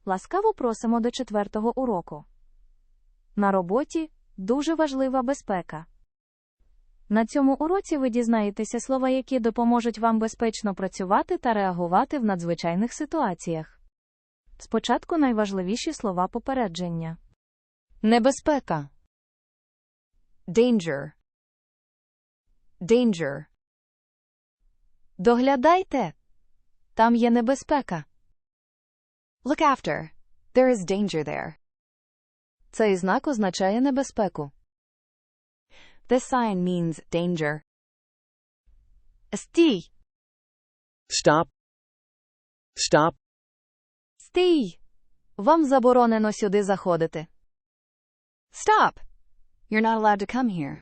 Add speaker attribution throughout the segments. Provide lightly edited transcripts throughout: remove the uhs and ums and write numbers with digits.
Speaker 1: Ласкаво просимо до 4-го уроку. На роботі дуже важлива безпека. На цьому уроці ви дізнаєтеся слова, які допоможуть вам безпечно працювати та реагувати в надзвичайних ситуаціях. Спочатку найважливіші слова попередження. Небезпека.
Speaker 2: Danger. Danger.
Speaker 1: Доглядайте. Там є небезпека.
Speaker 2: Look after. There is danger there.
Speaker 1: Цей знак означає небезпеку.
Speaker 2: This sign means danger.
Speaker 1: Стій.
Speaker 3: Stop. Stop.
Speaker 1: Стій. Вам заборонено сюди заходити.
Speaker 2: Stop. You're not allowed to come here.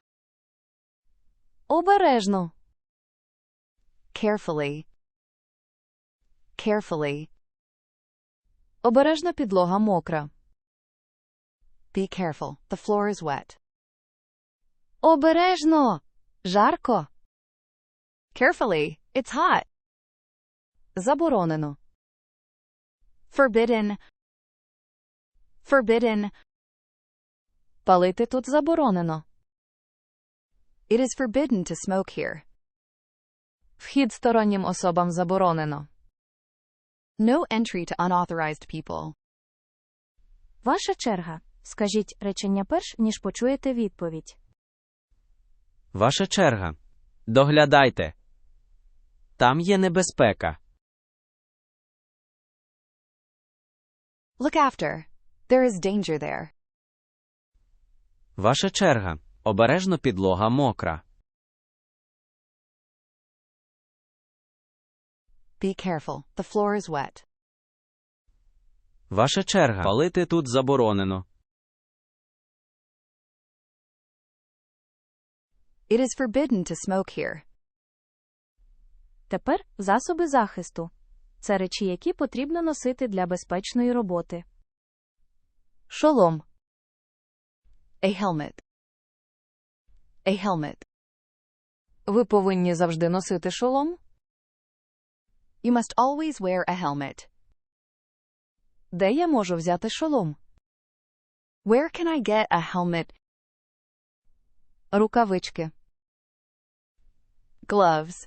Speaker 1: Обережно.
Speaker 2: Carefully. Carefully.
Speaker 1: Обережно підлога мокра.
Speaker 2: Be careful. The floor is wet.
Speaker 1: Обережно. Жарко.
Speaker 2: Carefully. It's hot.
Speaker 1: Заборонено.
Speaker 2: Forbidden. Forbidden.
Speaker 1: Палити тут заборонено.
Speaker 2: It is forbidden to smoke here.
Speaker 1: Вхід стороннім особам заборонено.
Speaker 2: No entry to unauthorized people.
Speaker 1: Ваша черга. Скажіть речення перш, ніж почуєте відповідь.
Speaker 3: Ваша черга. Доглядайте. Там є небезпека.
Speaker 2: Look after. There is danger there.
Speaker 3: Ваша черга. Обережно підлога мокра.
Speaker 2: Be careful. The floor is wet.
Speaker 3: Ваша черга. Палити тут заборонено.
Speaker 2: It is forbidden to smoke here.
Speaker 1: Тепер засоби захисту. Це речі, які потрібно носити для безпечної роботи. Шолом.
Speaker 2: A helmet. A helmet.
Speaker 1: Ви повинні завжди носити шолом?
Speaker 2: You must always wear a helmet.
Speaker 1: Де я можу взяти шолом?
Speaker 2: Where can I get a helmet?
Speaker 1: Рукавички.
Speaker 2: Gloves.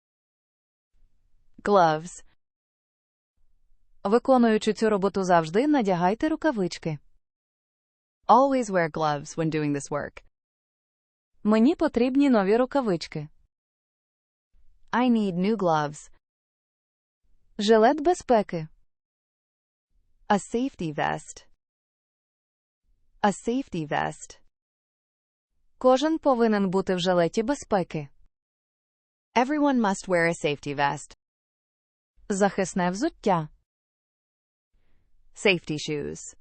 Speaker 2: Gloves.
Speaker 1: Виконуючи цю роботу завжди, надягайте рукавички.
Speaker 2: Always wear gloves when doing this work.
Speaker 1: Мені потрібні нові рукавички.
Speaker 2: I need new gloves.
Speaker 1: Жилет безпеки.
Speaker 2: A safety vest. A safety vest.
Speaker 1: Кожен повинен бути в жилеті безпеки.
Speaker 2: Everyone must wear a safety vest.
Speaker 1: Захисне взуття.
Speaker 2: Safety shoes.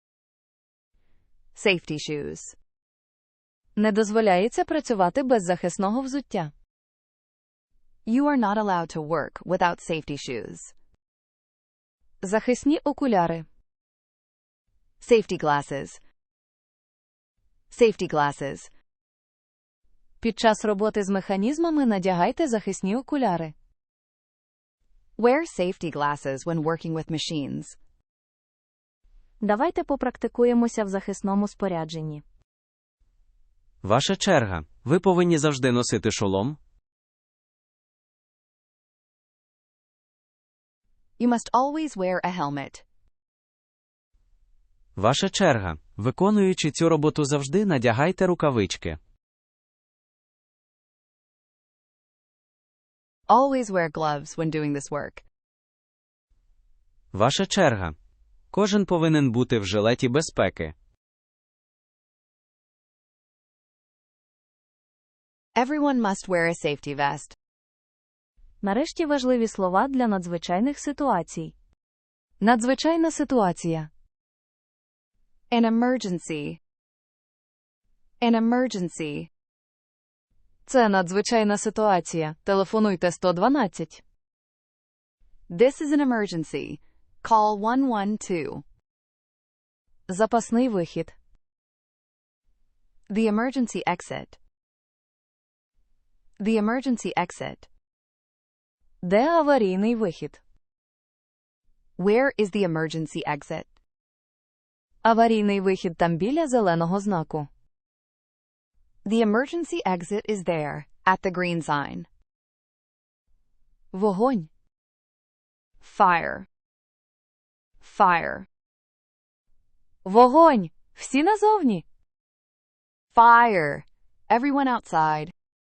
Speaker 2: Safety shoes.
Speaker 1: Не дозволяється працювати без захисного взуття.
Speaker 2: You are not allowed to work without safety shoes.
Speaker 1: Захисні окуляри.
Speaker 2: Safety glasses. Safety glasses.
Speaker 1: Під час роботи з механізмами надягайте захисні окуляри.
Speaker 2: Wear safety glasses when working with machines.
Speaker 1: Давайте попрактикуємося в захисному спорядженні.
Speaker 3: Ваша черга. Ви повинні завжди носити шолом.
Speaker 2: You must always wear a helmet.
Speaker 3: Ваша черга. Виконуючи цю роботу завжди, надягайте рукавички.
Speaker 2: Always wear gloves when doing this work.
Speaker 3: Ваша черга. Кожен повинен бути в жилеті безпеки.
Speaker 2: Everyone must wear a safety vest.
Speaker 1: Нарешті важливі слова для надзвичайних ситуацій. Надзвичайна ситуація.
Speaker 2: An emergency. An emergency.
Speaker 1: Це надзвичайна ситуація. Телефонуйте 112.
Speaker 2: This is an emergency. Call 112.
Speaker 1: Запасний вихід.
Speaker 2: The emergency exit. The emergency exit.
Speaker 1: Де аварійний вихід?
Speaker 2: Where is the emergency exit?
Speaker 1: Аварійний вихід там біля зеленого знаку.
Speaker 2: The emergency exit is there, at the green sign.
Speaker 1: Вогонь.
Speaker 2: Fire. Fire.
Speaker 1: Вогонь! Всі назовні.
Speaker 2: Fire. Everyone outside.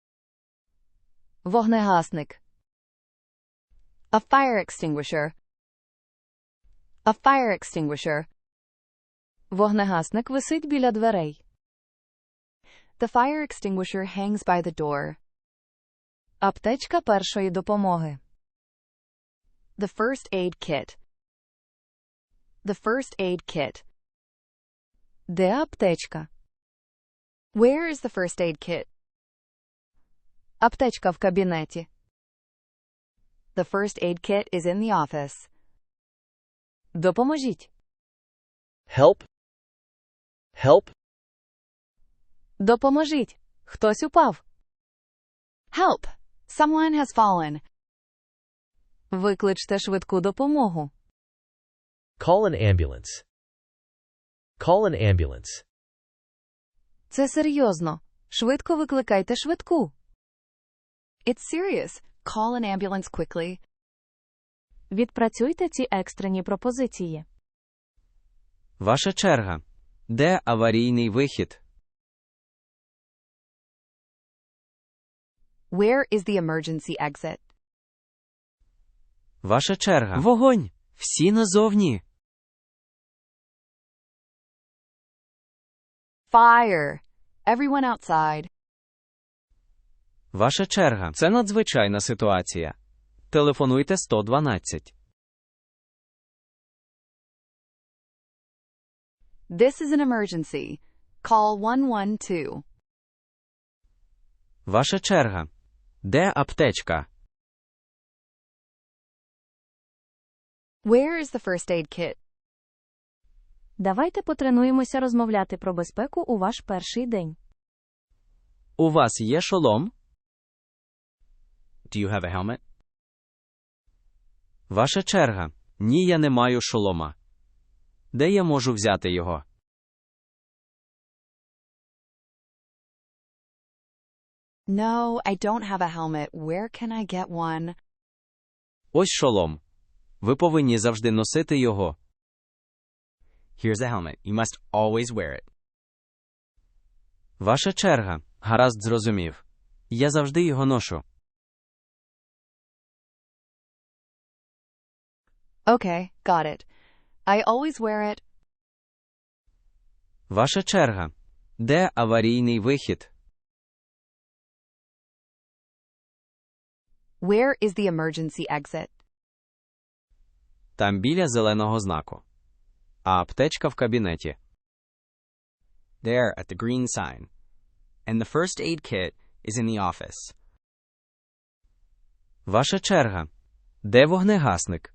Speaker 1: Вогнегасник.
Speaker 2: A fire extinguisher. A fire extinguisher.
Speaker 1: Вогнегасник висить біля дверей.
Speaker 2: The fire extinguisher hangs by the door.
Speaker 1: Аптечка першої допомоги.
Speaker 2: The first aid kit. The first aid kit.
Speaker 1: Де аптечка?
Speaker 2: Where is the first aid kit?
Speaker 1: Аптечка в кабінеті.
Speaker 2: The first aid kit is in the office.
Speaker 1: Допоможіть.
Speaker 4: Help. Help.
Speaker 1: Допоможіть. Хтось упав.
Speaker 2: Help! Someone has fallen.
Speaker 1: Викличте швидку допомогу.
Speaker 4: Call an ambulance. Call an ambulance.
Speaker 1: Це серйозно. Швидко викликайте швидку.
Speaker 2: It's serious. Call an ambulance quickly.
Speaker 1: Відпрацюйте ці екстрені пропозиції.
Speaker 3: Ваша черга. Де аварійний вихід?
Speaker 2: Where is the emergency exit?
Speaker 3: Ваша черга. Вогонь! Всі назовні.
Speaker 2: Fire. Everyone outside.
Speaker 3: Ваша черга. Це надзвичайна ситуація. Телефонуйте 112.
Speaker 2: This is an emergency. Call 112.
Speaker 3: Ваша черга. Де аптечка?
Speaker 2: Where is the first aid kit?
Speaker 1: Давайте потренуємося розмовляти про безпеку у ваш перший день.
Speaker 3: У вас є шолом? Do you have a helmet? Ваша черга. Ні, я не маю шолома. Де я можу взяти його?
Speaker 2: No, I don't have a helmet. Where can I get one?
Speaker 3: Ось шолом. Ви повинні завжди носити його. Here's a helmet. You must always wear it. Ваша черга. Гаразд, зрозумів. Я завжди його ношу.
Speaker 2: Okay, got it. I always wear it.
Speaker 3: Ваша черга. Де аварійний вихід?
Speaker 2: Where is the emergency exit?
Speaker 3: Там біля зеленого знаку. А аптечка в кабінеті.
Speaker 5: There at the green sign. And the first aid kit is in the office.
Speaker 3: Ваша черга. Де вогнегасник?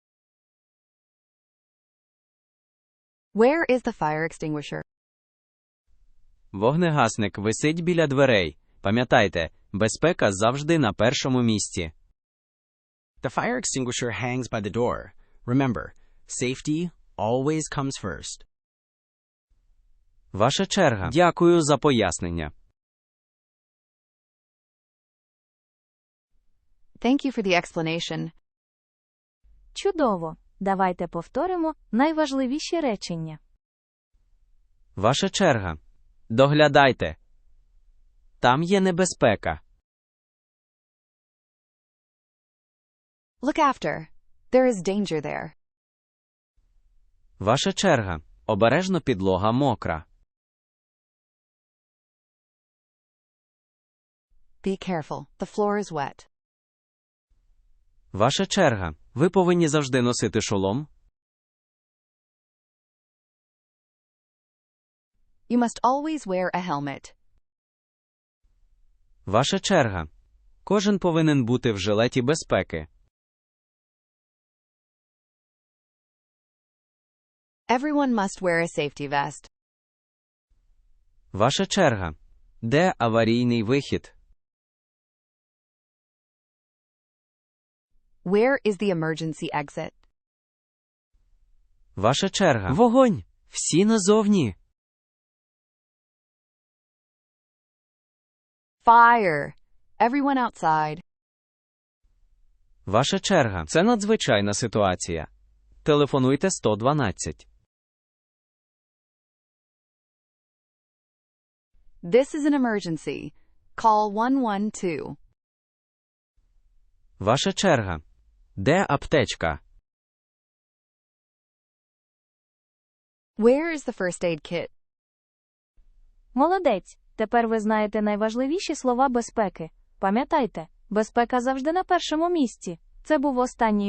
Speaker 2: Where is the fire extinguisher?
Speaker 3: Вогнегасник висить біля дверей. Пам'ятайте, безпека завжди на першому місці.
Speaker 5: The fire extinguisher hangs by the door. Remember, safety always comes first.
Speaker 3: Ваша черга. Дякую за пояснення.
Speaker 2: Thank you for the explanation.
Speaker 1: Чудово. Давайте повторимо найважливіші речення.
Speaker 3: Ваша черга. Доглядайте. Там є небезпека.
Speaker 2: Look after. There is danger there.
Speaker 3: Ваша черга. Обережно підлога мокра.
Speaker 2: Be careful. The floor is wet.
Speaker 3: Ваша черга. Ви повинні завжди носити шолом.
Speaker 2: You must always wear a helmet.
Speaker 3: Ваша черга. Кожен повинен бути в жилеті безпеки.
Speaker 2: Everyone must wear a safety vest.
Speaker 3: Ваша черга. Де аварійний вихід?
Speaker 2: Where is the emergency exit?
Speaker 3: Ваша черга. Вогонь! Всі назовні.
Speaker 2: Fire. Everyone outside.
Speaker 3: Ваша черга. Це надзвичайна ситуація. Телефонуйте 112.
Speaker 2: This is an emergency. Call 112.
Speaker 3: Ваша черга. Де аптечка?
Speaker 2: Where is the first aid kit?
Speaker 1: Молодець! Тепер ви знаєте найважливіші слова безпеки. Пам'ятайте, безпека завжди на першому місці. Це був останній